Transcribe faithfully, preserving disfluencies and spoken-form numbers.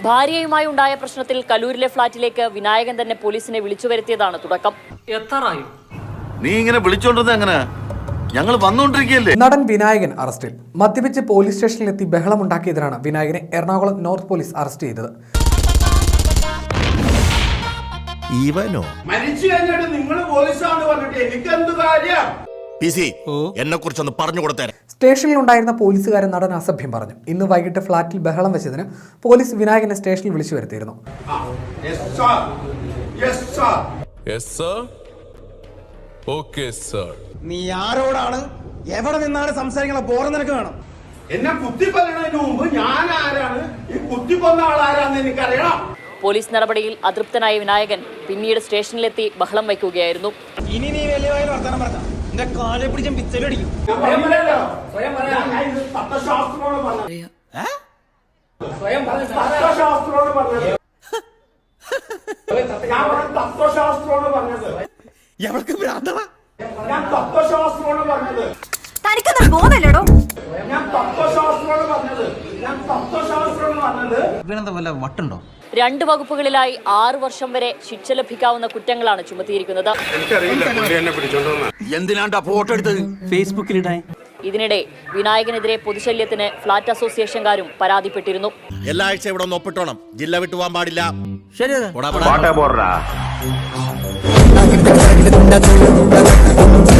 ഭാര്യയുമായി ഉണ്ടായ പ്രശ്നത്തിൽ കലൂരിലെ ഫ്ളാറ്റിലേക്ക് വിനായകൻ തന്നെ പോലീസിനെ വിളിച്ചു വരുത്തിയതാണ് തുടക്കം. നീ ഇങ്ങനെ വിളിച്ചോണ്ടത് എങ്ങനെ? ഞങ്ങൾ വന്നുകൊണ്ടിരിക്കുകയല്ലേ. നടൻ വിനായകൻ അറസ്റ്റിൽ. മദ്യപിച്ച് പോലീസ് സ്റ്റേഷനിലെത്തി ബഹളമുണ്ടാക്കിയതിനാണ് വിനായകനെ എറണാകുളം നോർത്ത് പോലീസ് അറസ്റ്റ് ചെയ്തത്. ഇവനോ മരിച്ചു കഴിഞ്ഞിട്ട് നിങ്ങൾ പോലീസാണെന്ന് പറഞ്ഞിട്ട് എനിക്ക് എന്ത് കാര്യം? എന്നെ കുറിച്ചൊന്ന് പറഞ്ഞു കൊടുത്തേ. സ്റ്റേഷനിൽ ഉണ്ടായിരുന്ന പോലീസുകാരൻ നടൻ അസഭ്യം പറഞ്ഞു. ഇന്ന് വൈകിട്ട് ഫ്ളാറ്റിൽ ബഹളം വെച്ചതിന് പോലീസ് വിനായകനെ സ്റ്റേഷനിൽ വിളിച്ചു വരുത്തിയിരുന്നു. നീ ആരോടാണ് എവിടെ നിന്നാണ് സംസാരിക്കണം? ബോറ നിനക്ക് വേണം. എന്നെ കുത്തിക്കൊല്ലണതിന് മുമ്പ് ഞാൻ ആരാണ്, ഈ കുത്തിക്കൊന്ന ആളാരാന്ന് എനിക്കറിയണം. പോലീസ് നടപടിയിൽ അതൃപ്തനായ വിനായകൻ പിന്നീട് സ്റ്റേഷനിലെത്തി ബഹളം വയ്ക്കുകയായിരുന്നു. ഇനി നീ വലിയ വർത്തമാനം പറഞ്ഞ എന്റെ കാലെ പിടിച്ച പിച്ചലടിക്കും. തത്വശാസ്ത്രമാണ് പറഞ്ഞത്. തത്വശാസ്ത്രമാണ് പറഞ്ഞത്. ഞാൻ പറഞ്ഞ തത്വശാസ്ത്രമാണ് പറഞ്ഞത്. ഞാൻ തത്വശാസ്ത്രമാണ് പറഞ്ഞത്. തനിക്കൊന്നും ബോധമില്ലടോ. ഞാൻ തത്വശാസ്ത്രമാണ് പറഞ്ഞത്. ഞാൻ തത്വശാസ്ത്രമാണ് പറഞ്ഞത്. ഇവനെന്താ വല്ല വട്ടുണ്ടോ? രണ്ട് വകുപ്പുകളിലായി ആറു വർഷം വരെ ശിക്ഷ ലഭിക്കാവുന്ന കുറ്റങ്ങളാണ് ചുമത്തിയിരിക്കുന്നത്. എന്തിനാണ്ടാ ഫോട്ടോ എടുത്തത്? ഫേസ്ബുക്കിലിടാൻ. ഇതിനിടെ വിനായകനെതിരെ പൊതുശല്യത്തിന് ഫ്ളാറ്റ് അസോസിയേഷൻകാരും പരാതിപ്പെട്ടിരുന്നു. എല്ലാ ആഴ്ച ഇവിടെ ഒന്ന് ഒപ്പിട്ടോണം. ജില്ല വിട്ടു പോകാൻ പാടില്ല. ശരി.